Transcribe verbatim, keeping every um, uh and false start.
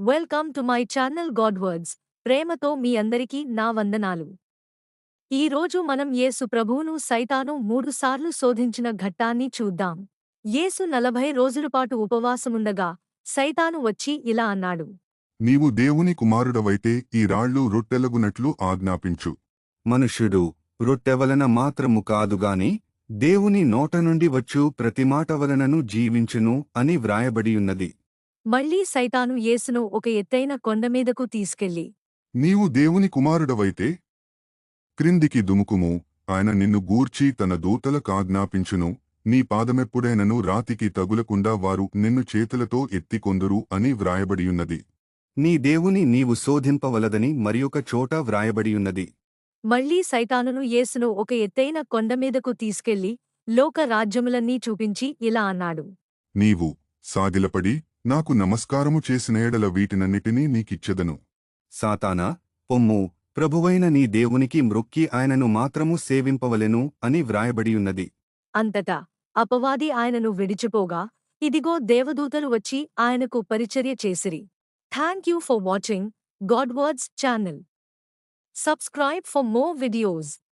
Welcome to my channel God words. ప్రేమతో మీ అందరికీ నా వందనాలు. ఈ రోజు మనం యేసు ప్రభువును సైతాను మూడుసార్లు శోధించిన ఘట్టాన్ని చూద్దాం. యేసు నలభై రోజులపాటు ఉపవాసముండగా సైతాను వచ్చి ఇలా అన్నాడు. నీవు దేవుని కుమారుడవైతే ఈ రాళ్ళు రొట్టెలగునట్లు ఆజ్ఞాపించు. మనుష్యుడు రొట్టెవలన మాత్రము కాదుగాని దేవుని నోట నుండి వచ్చు ప్రతి మాట వలనను జీవించును అని వ్రాయబడియున్నది. మళ్ళీ సైతాను యేసును ఒక ఎత్తైన కొండమీదకు తీసుకెళ్లి, నీవు దేవుని కుమారుడవైతే క్రిందికి దుముకుము, ఆయన నిన్ను గూర్చి తన దూతలకాజ్ఞాపించును, నీ పాదమెప్పుడైనను రాతికి తగులకుండా వారు నిన్ను చేతులతో ఎత్తికొందురు అని వ్రాయబడియున్నది. నీ దేవుని నీవు శోధింపవలదని మరియొక చోట వ్రాయబడియున్నది. మళ్ళీ సైతానును యేసును ఒక ఎత్తైన కొండమీదకు తీసుకెళ్లి లోక రాజ్యములన్నీ చూపించి ఇలా అన్నాడు. నీవు సాగిలపడి నాకు నమస్కారము చేసిన ఎడల వీటినన్నిటినీ నీకిచ్చెదను. సాతానా, పొమ్ము, ప్రభువైన నీ దేవునికి మ్రొక్కి ఆయనను మాత్రము సేవింపవలెను అని వ్రాయబడియున్నది. అంతటా అపవాది ఆయనను విడిచిపోగా ఇదిగో దేవదూతలు వచ్చి ఆయనకు పరిచర్య చేసిరి. Thank you for watching God words channel. Subscribe for more videos.